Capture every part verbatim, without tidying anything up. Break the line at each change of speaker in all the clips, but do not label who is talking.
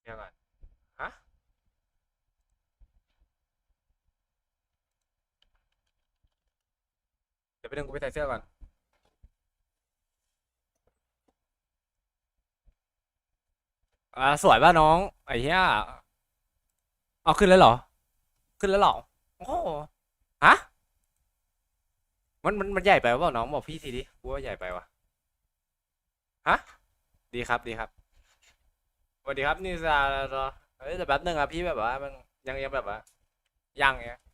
เดี๋ยวก่อนฮะเดี๋ยวไปดึงกูไปใส่เสื้อก่อนอ่าสวยป่ะน้องไอ้เหี้ยเอาขึ้นแล้วเหรอขึ้นแล้วเหรอโอ้โหฮะมันมันมันใหญ่ไปเปล่าน้องบอกพี่ทีดิกูว่าใหญ่ไปวะฮะดีครับดีครับสวัสดีครับนี่ซาเเฮ้ยแต่แป๊บนึงอะพี่แบบว่ามันยังยังแบบว่ายังเนี้ย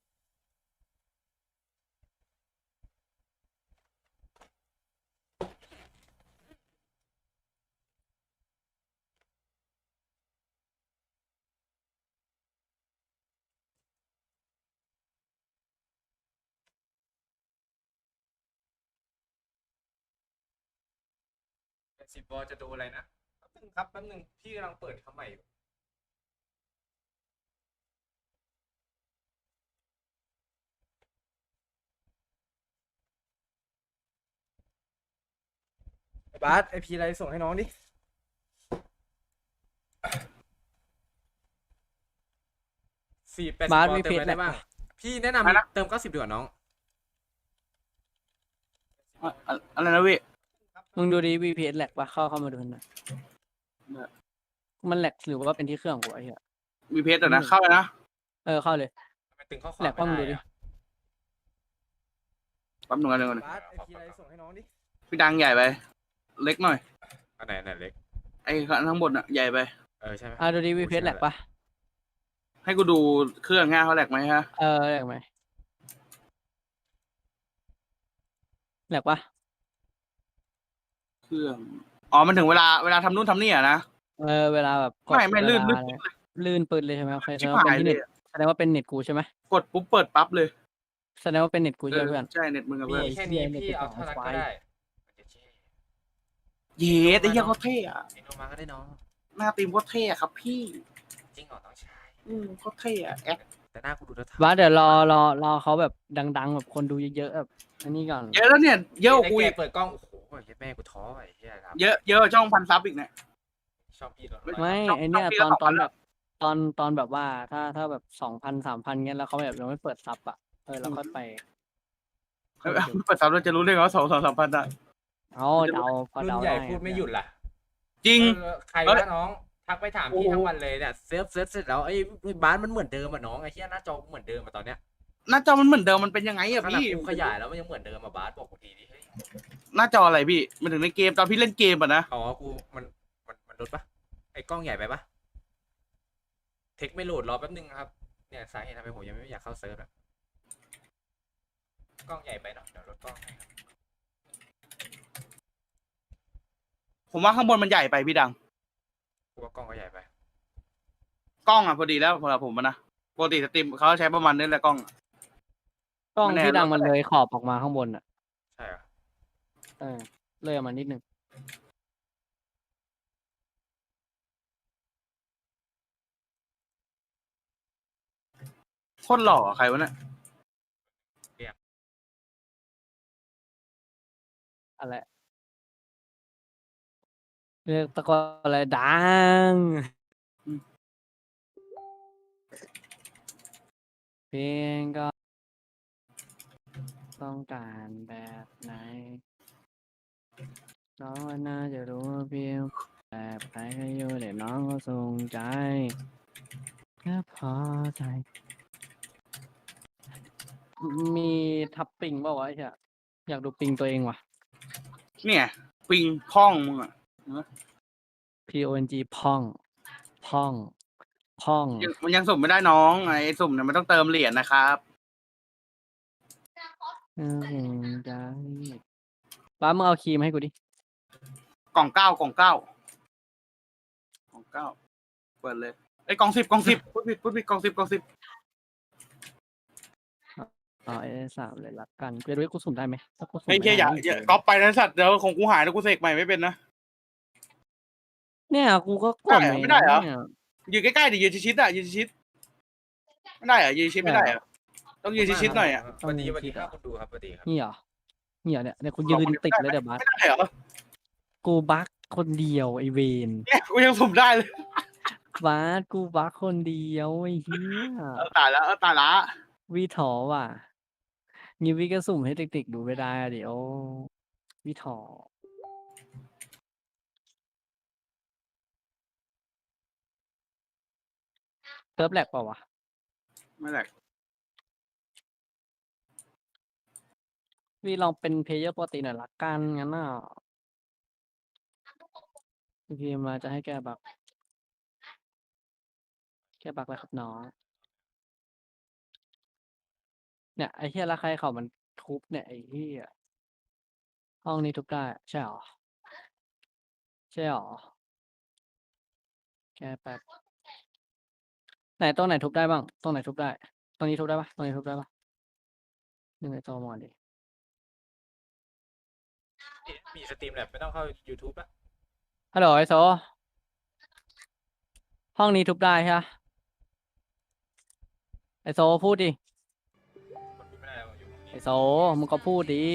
สิบบอลจะดูอะไรนะแป๊บนึงครับแป๊บนึงพี่กำลังเปิดทำใหม่อยู่ไอ้บาสไอพีอะไรส่งให้น้องดิ สี่แปดสิ
บา
บ
ส
บอล
มี
เติ
เพ
ม
จ
อะไร
แหล
ได้
ก
บ้าง
ปะ
พี่แนะนำเติมเก้าสิบดีกว่าน้อง
อะอะอะไรนะพี่
มึงดูดี วี พี เอส แหลกปะเข้าเข้ามาดูหน่อยมันแหลกหรือว่าเป็นที่เครื่องกูไอ้เหี้ย
มีเพจอ่ะนะเข้าไปนะ
เออเข้าเลย
ทำไมตึงข้อควา
แหล
ม
กปะมึง
ไม่
ดู
ได้
ดิ
อะ
แป๊บหนึงกันหนึ่งกัน
บาสไอพีอะไรส่งให้น้องดิ
พี่ดังใหญ่ไป เล็กหน่อย
อันไหนอันไหนเล็ก
ไอ้ข้างบนอ่ะใหญ่ไป
เออใช่ไหม
อ่ะดูดี วี พี เอส แหลกปะ
ให้กูดูเครื่องง่ายเขาแหลกไหมฮะ
เออแหลกไหมแหลกปะ
เครื่อง อ๋อ มันถึงเวลาเวลาทำนู่นทำนี่อ่ะนะ
เออเวลาแบบกด
ไม่ไม่ลื่น
เว
ลื่
ลาน อะไรลื่นปืนเลยใช่ไหมโอเคแส
ชิ
ด
บ
งว่า
หา
เป็น
ย
ที่
เล
เน็
ย
ต
อะ
แสดงว่าเป็นเน็ตกูใช่ไหม
กดปุ๊บเปิดปั๊บเลย
แสดงว่าเป็นเน็ตกู
เอ
ใช่
อ
ไหมเพื่อน
ใช่เน็ตมึงกับ
มี
เพื่อน
แค่นี้พี่เอาเท่านั้นก็ได้
เยสไอ้เหี้ยเขาเท่อะ
เอ็นโนมาก็ได้น้อง
หน้าตีมโคตรเท่อะครับพี่
จริงเหรอต้องใช้
อืมโคตรเท่อะแอค
แต่หน้ากูดูแล้ว
บาสเดี๋ยวรอรอรอเขาแบบดังๆแบบคนดูเยอะๆแบบอันนี้ก่อน
เยอะแล้วเนี่ยเยอะกว่ากู
กู
อีก
เปิดกล้องโอ้โหแม่กูท้อไอ้เหี้ยครับ
เยอะเยอะกว่าช่องพันซับอีกเนี่ย
ชอบพี่เหรอ
ไม่
ต้อง
ไอเนี้ย
ต้อง
ตอน
พี่
ต
ก็
อน
สองพัน
แบบตอนตอนแบบว่าถ้าถ้าแบบสองพันสามพันเงี้ยแล้วเขาแบบยังไม่เปิดซับอ่ะเออเราค่อยไป
เออเปิดซับเราจะรู้ได้ไงว่าสองสองสามพันอะ
เอาเดาพอ
รุ่น
เดา
ใหญ่
ได้
พูดไม่หยุดล่ะ
จริง
เออใคร
เอ้
วะ
ย
น้องทักไปถามพี่ทั้งวันเลยเนี่ยเซิร์ฟเซิร์ฟเสร็จแล้วไอ้บ้านมันเหมือนเดิมอ่ะน้องไอ้เหี้ยหน้าจอเหมือนเดิมอ่ะตอนเนี้ย
หน้าจอมันเหมือนเดิมมันเป็นยังไงอะ
ขนาด
พี่
กูขยายแล้วมันยังเหมือนเดิมอ่ะบาสบอกกูทีดิเฮ้ย
หน้าจออะไรพี่ มันถึงในเกมตอนพี่เล่นเกมอะนะ
อ๋อกูมันมันมันลดปะไอ้กล้องใหญ่ไปปะเทคไม่โหลดรอแป๊บนึงนะครับเนี่ยสาเหตุทำไมผมยังไม่อยากเข้าเซิร์ฟอ่ะกล้องใหญ่ไปเนาะเดี๋ยวลดกล้องให้
ผมว่าข้างบนมันใหญ่ไปพี่ดัง
กูว่ากล้องก็ใหญ่ไป
กล้องอะพอดีแล้วสำหรับผมอะนะปกติสตรีมเขาใช้ประมาณนี้แหละกล้องอะ
กล้อง
ไม่แน่
ที่ดังมันเลยขอบออกมาข้างบนอ่ะ
ใช่เหรอ
เออเลยออกมานิดนึง
โคตรหล่ออะใครวะเนี่ย
อะไรเรียกตะโกนอะไรดังเพลงก็ต้องการแบบไหนน้องว่าน่าจะรู้ว่าเพียงแบบใครก็อยู่เดี๋ยวน้องก็ทรงใจแค่พอใจ มีทับปิงเปล่าวะไอ้เหี้ยอยากดูปิงตัวเองว่ะ
เนี่ยปิงพ่องมึงอะ
P O N G พ่องพ่องพ่อง
ยังมันยังสุ่มไม่ได้น้องไอ้สุ่มเนี่ยมันต้องเติมเหรียญนะครับ
เออใจป้ามึงเอาครีมให้กูดิ
กล่องเก้ากล่องเก้ากล่องเก้าเปิดเลยไอ้ยกล่องสิบกล่องสิบพูดผิดพูดผิดกล่องสิบกล่องสิบ
เอาไอ้สามเลยละกันกูจะดูว่ากูสุ่มได้ไหมถ้ากูสุ่ม
ไอ้เหี้ยอย่า
ไม่ได้
อย่าก๊อปไปนะสัตว์เดี๋ยวของกูหายแล้วกูเสกใหม่ไม่เป็นนะ
เนี่ยกูก็กด
ได้เหรอไม่ได้เหรอ
นี่ย
ยืนใกล้ๆดิยืนชิดๆอ่ะยืนชิดๆไม่ได้เหรอยืนชิดไม่ได้เหรอต้องยืนชิดๆหน่อยอ่ะ
สวัสดีสวัสดีครับคุณดูครับสวัสดีครับ
นี่เหรอนี่เหรอเนี่ยเนี่ยกูยืนติดเลยเดี๋ยวบัส
ไม่ได้เหรอ
กูบักคนเดียวไอเวน
เนี่ยกูยังสุ่มได้เลย
บาสกูบักคนเดียวไอ้เหี้ย
เออตายแล้วเออตายละ
วีถอว่ะงี้วีก็สุ่มให้เด็กๆดูไม่ได้อะเดี๋ยววีถอเซิร์ฟแหลกเปล่าวะ
ไม่แหลก
วีลองเป็นเพลเยอร์ปกติหน่อยละกันงั้นน่ะพีมาจะให้แก้บักแก้บักแล้วครับน้องเนี่ยไอ้เหี้ยละใครเขามันทุบเนี่ยไอ้เหี้ยห้องนี้ทุบได้ใช่หรอใช่หรอแก้แป๊บไหนตรงไหนทุบได้บ้างตรงไหนทุบได้ตรงนี้ทุบได้ปะตรงนี้ทุบได้ปะยังไงตัวมอนดิ
มีสตรีมแลบไม่ต้องเข้า YouTube ละ
ฮัลโหลไอโซห้องนี้ทุบได้ใช่ปะไอโซพูดดิ
กดไม่ได้แล้วอยู่ตรง
ไอ
นี้
โซมึงก็พูดดิ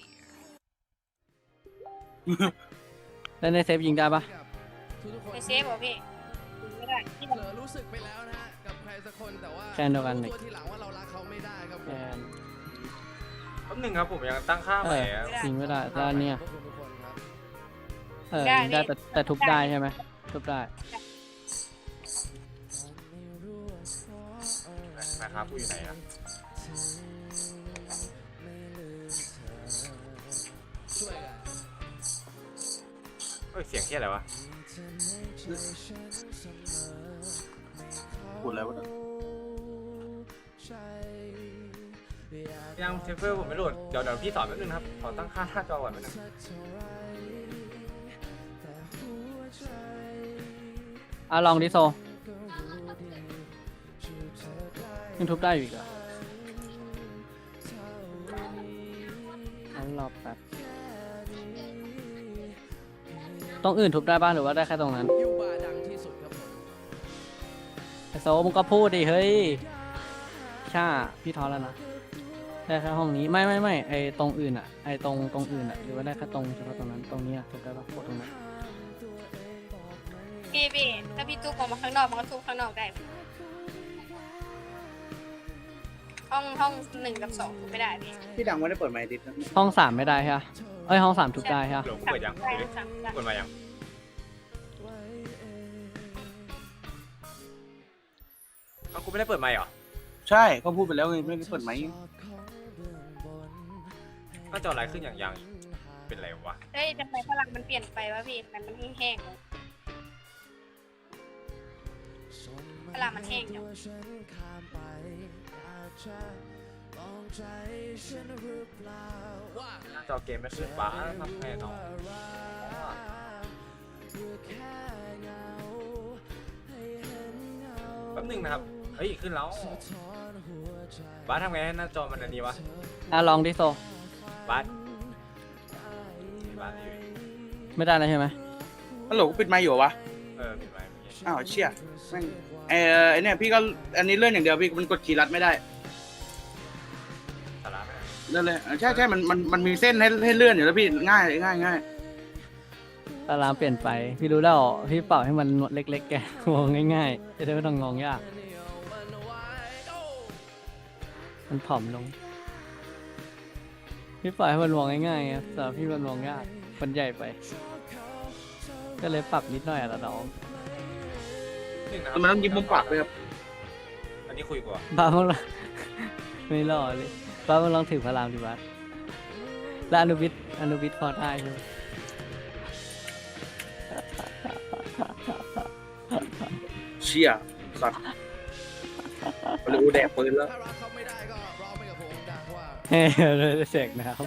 แล้วในเซฟยิงได้ปะ
ทุกๆคน
ไปเซฟเหรอพี่ไม่ได้ที่
เผลอรู้สึกไปแล้วนะฮะกับใครสักคนแต่ว่า
แค่เดียวกัน
รู้
นี่
ตัวทีหลังว่าเรารักเขาไม่ได้ครับผ
แก
ม
น
แป๊บหนึงครับผมยังตั้งค่า
เอ
ใหม่
อ
อะ
ยิงไม่ได้ด้านเนี้ย
ขอบคุณทุกคนครับ
เออยิงได้แต่แต่ทุบได้ใช่ไหมทุบได้
นะครับกูอยู่ไหนอะ
ช่วยกัน
เฮ้ยเสียงที่อะไรวะ
พูดอะไรวะเนี่ย
ยังเซฟเฟอร์ผมไม่โหลดเดี๋ยวเดี๋ยวพี่สอนแป๊บนึงนะครับขอตั้งค่าหน้าจอก่อนแป๊บนึง
อ่ะลองดิโซยังทุบได้อยู่อีกเหรออันรอบแป๊บตรงอื่นทุบได้บ้างหรือว่าได้แค่ตรงนั้น
ยูบาดังที่สุดครับผม
ไอโซมึงก็พูดดิเฮ้ยช่าพี่ท้อแล้วนะได้แค่ห้องนี้ไม่ไม่ไม่ไอตรงอื่นอ่ะไอตรงตรงอื่นอ่ะหรือว่าได้แค่ตรงเฉพาะตรงนั้นตรงนี้อ่ะทุบได้ปะโคตรตรงนั้น
พี่พี่ถ้าพี่ตู้ออกมาข้างนอกมันก็ทุบข้างนอกได้ ห้องห้องหนึ่งกับสองทุบไม่ได้พี่
พี่ดังไม่ได้เปิดไมค์ดิสนะ
ห้องสามไม่ได้ใช่ปะเอ้ยห้องสามทุบได้ใช่ปะ
เดี๋ยวกู
สั่ง
เปิดยัง
ได้สั่งได้
กดมายังเอากูไม่ได้เปิดไมค์เหรอ
ใช่ก็พูดไปแล้วไงไม่ได้เปิดไมค์
หน้าจออะไรขึ้นอย่างยังเป็นไรวะ
เฮ้ยทำไมพลังมันเปลี่ยนไปวะพี่ทำไมมันแห้งๆพลังมันแห้งจัง
หน้าจอเกมไม่ขึ้นบ้าทำไงน้องแป๊บหนึงนะครับเฮ้ยขึ้นแล้วบ้าสทำไงให้หน้าจอมันอันนี้วะ
อ่ะลองดิโซ
บ้าสบ้าสอยู่
ไม่ได้แล้วใช่ไหม
ฮัลโหลกูปิดไมค์อยู่เหรอวะ
เออปิดไมค์เมื่อกี้
อ้าวเชี่ยแม่งเออไอเนี่ยพี่ก็อันนี้เลื่อนอย่างเดียวพี่มันกดคีย์ลัดไม่ได้
สาระไม่ได้
เลื่อนเลยเออใช่ใช่มันมันมันมีเส้นให้ให้เลื่อนอยู่แล้วพี่ง่ายง่ายง่าย
ตารางเปลี่ยนไปพี่รู้แล้วพี่เป่าให้มันเล็กๆแกมองง่ายๆจะได้ไม่ต้องงองยากมันผอมลงพี่ปล่อยให้มันมองง่ายๆไงแต่พี่มันมองยากมันใหญ่ไป ก็เลยปรับนิดหน่อยอะละน้อง
หนึ่งนะค
แล้
รับ
วมันต้องยิ้มมุมปากด้วยครับ
อันนี้คุยกว่า
บ้ามึงละไม่รอเลยบ้ามึงลองถือพลามดิบัสแล้วอนุวิทย์อนุวิทย์พอได้ใช่ไหม
เชี่ยสัตว์เร็วแดกปืนแล้ว
ถ้ารักเขาไม่ได้ก็ร้องไปกับผมดังว่า
เฮ้ยเลยเสกนะครับ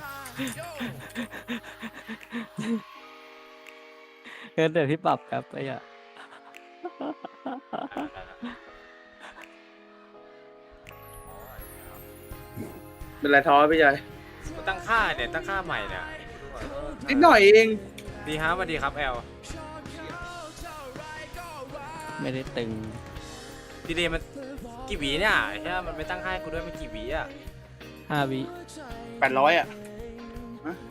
เกินเดี๋ยวพี่ปรับครับไอ้อะ
เป็นไรท้อพี่ชาย
มันตั้งค่าเนี่ยตั้งค่าใหม่เนี่ย
นิดหน่อยเอง
ดีครับสวัสดีครับแอล
ไม่ได้ตึง
ดีเลยมันกี่หวีเนี่ยใช่ไหมมันไม่ตั้งค่าให้กูด้วยมันกี่หวีอ่ะ
ห้าวิ
แปดร้อยอ่ะฮะ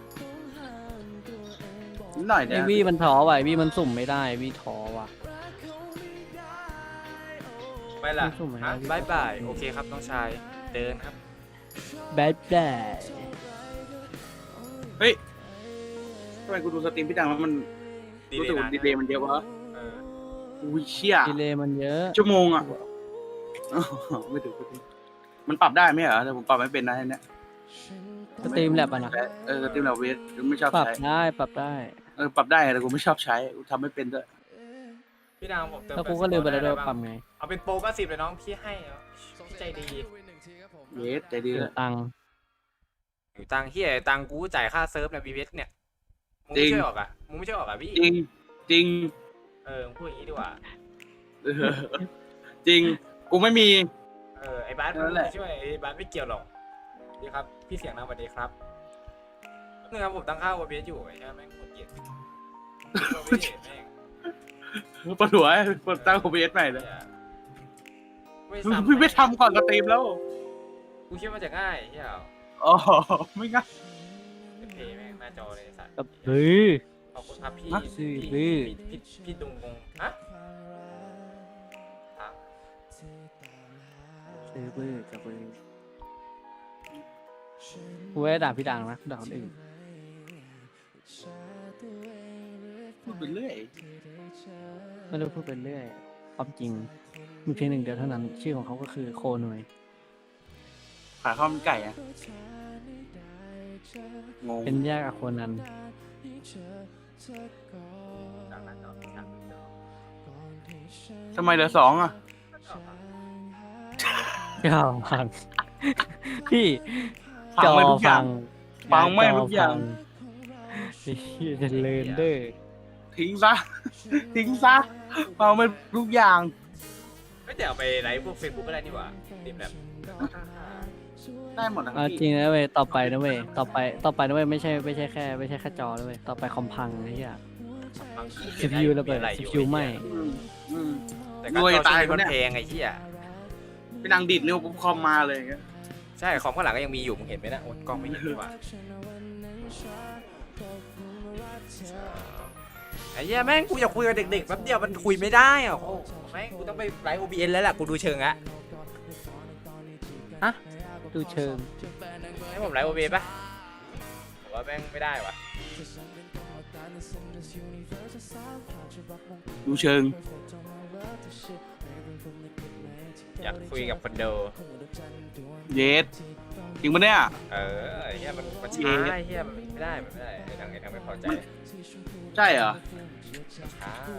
นิดหน่อย
ไอ
เนี่ย
วีมันท้อว่ะไอวีมันสุ่มไม่ได้วีท้อว่ะ
ไปล่ะ
สุ่มไหม
ฮะ
พี่
บายบายโอเคครับน้องชายเดินครับ
แบดแบด
เฮ้ยทำไมกูดูสตรีมพี่ดังแล้วมัน
ดี
รู้
เล
สึ
ย
ก
นะ
ดีเลย์มันเยอะวะ
เออ
อุ้ยเชี่ย
ดีเลย์มันเยอะ
ชั่วโมงอ่ะอ๋อไม่ถึงไม่ถึงมันปรับได้ไหมเหรอแต่ผมปรับไม่เป็นนะอันเนี้ย
สตรีมแลบอ่ะนะ
เออสตรีมเราเวทไม่ชอบ
ปรับ
ใช้
ได้ปรับได้
เออปรับได้แต่กูไม่ชอบใช้กูทำไม่เป็นด้วย
พี่ดังผมเติม
แล้วกูก็ลืมไปแล้วด้วย
ด้
ปรับไง
เอาเป็นโปรก็สิบเลยน้องพี่ให้เหรอพี่ใจดี
เวทใจดี
เสี
เลย ย
ตังค์
อยู่ตังค์เฮียตังค์กูจ่ายค่าเซิร์ฟในบีเวสเนี่ยมึงไม่ช่วยออกอ่ะมึงไม่ช่วยออกอ่ะพี่
จริงจริง
เออมึงพูดอย่างนี้ดีกว่า
เออจริงกูไม่มี
เออไอ้บาส
นั่นแหละ
ไม่ช่วยไอ้บาสไม่เกี่ยวหรอกดีครับพี่เสียงนะสวัสดีครับนี่ครับผมตั้งค่าโอเบสอยู่ไอ้เหี้ยแม่งโคตรเกลียดไม่เห็นแม่ง
ปวดหัวปวดตั้งโอเวทใหม่เลย
ไม่
มึง
ซ้ำ
พี่ไม่ทำก่อนสตรีมแล้ว
กูคิดว่าจะง่ายเฮีย
อ๋อไม่งั้น
เป็นเพย์แม่งหน้าจอเลยสัตว์
กับเฮ้ย
ขอบคุณครับพี่
ฮะ
ซื้อ
พี่
ซื้อ
พี่พี่พี่ดุงงงฮะอ่ะ
ซื้อบื้อกับบื้อกูไม่ได้ด่าพี่ดังนะด่าคนอื่น
พูดไปเรื่อย
ไม่รู้พูดไปเรื่อยความจริงมีเพียงหนึ่งเดียวเท่านั้น ชื่อของเขาก็คือโคหน่วย
ขายข้าวมันไก่อะงง
เป็นญาติกับคนนั้น
จากนั้นเนาะจากนั้นเนาะ
ทำไมเหลือสองอะ
จอฟัง พี่
ฟัง
จอ
ไม่ทุกอย่า
ฟั
ง
ง
ฟังไม่ทุกอย่าง
ไอ้เหี้ยเจะเลินเด้อ
ทิ้งซะ ทิ้งซะฟังไม่ทุกอย่าง
ไม่แต่เอาไปไลฟ์พวกเฟซบุ๊กก็ได้นี่หว่าติดแบบ
ได้หมดนะ
เอาจ
พี่
ริงนะเว้ยต่อไปนะเว้ยต่อไปต่อไปนะเว้ยไม่ใช่ไม่ใช่แค่ไม่ใช่แค่จอนะเว้ยต่อไปคอมพังไอ้เหี้ย ซี พี ยู ระเบิด ซี พี ยู ไหม้
อืมอืม
แต่ก็
รวย
จอ
ตาย
ช่วงนี้มัน
คนเนี่ย
แพงไอ้เหี้ย
ไปนั่งดิดนิ้วปุ๊บคอมมาเลยอย่างเงี้ย
ใช่คอมข้างหลังก็ยังมีอยู่มึงเห็นไหมนะโอ๊ยกล้องไม่เห็นดีกว่าไอ้เหี้ยแม่งกูอยากคุยกับเด็กๆแป๊บเดียวมันคุยไม่ได้อ่ะโอ้โหแม่งกูต้องไปไลฟ์ โอ บี เอ็น แล้วล่ะกูดูเชิงอะ
ดูเชิง
ให้ผมไลฟ์ โอ บี เอ็น ปะผมว่าแม่งไม่ได้ว่ะ
ดูเชิง
อยากคุยกับคนดู
เยสจริงปะเนี่ย
เออไอ้เหี้ยมันมันช้าไอ้เหี้ยมันไม่ได้มันไม่ได้ไอ้ทางไอ้ทางไม่พอใจ
ใช่เหรอ
ช้า